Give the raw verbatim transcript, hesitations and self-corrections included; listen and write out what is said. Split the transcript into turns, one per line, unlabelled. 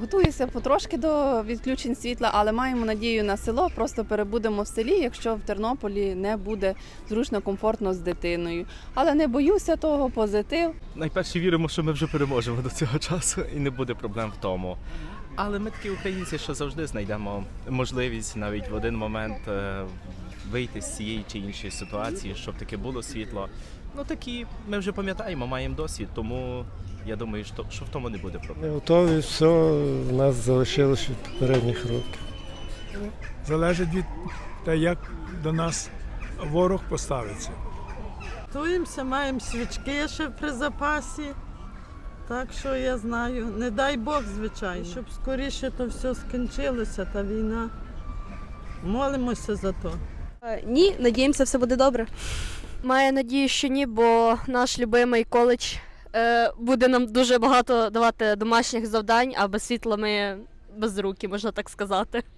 Готуюся потрошки до відключень світла, але маємо надію на село. Просто перебудемо в селі, якщо в Тернополі не буде зручно, комфортно з дитиною. Але не боюся того, позитив.
Найперше віримо, що ми вже переможемо до цього часу і не буде проблем в тому. Але ми такі українці, що завжди знайдемо можливість навіть в один момент е, вийти з цієї чи іншої ситуації, щоб таке було світло. Ну такі, ми вже пам'ятаємо, маємо досвід, тому я думаю, що, що в тому не буде проблем.
Ми готові, все в нас залишилось від попередніх років.
Залежить від того, як до нас ворог поставиться.
Готуємося, маємо свічки ще при запасі. Так що я знаю, не дай Бог, звичайно, щоб скоріше то все скінчилося, та війна. Молимося за то.
Ні, надіємося, все буде добре. Маю надію, що ні, бо наш любимий коледж е, буде нам дуже багато давати домашніх завдань, а без світла ми без руки, можна так сказати.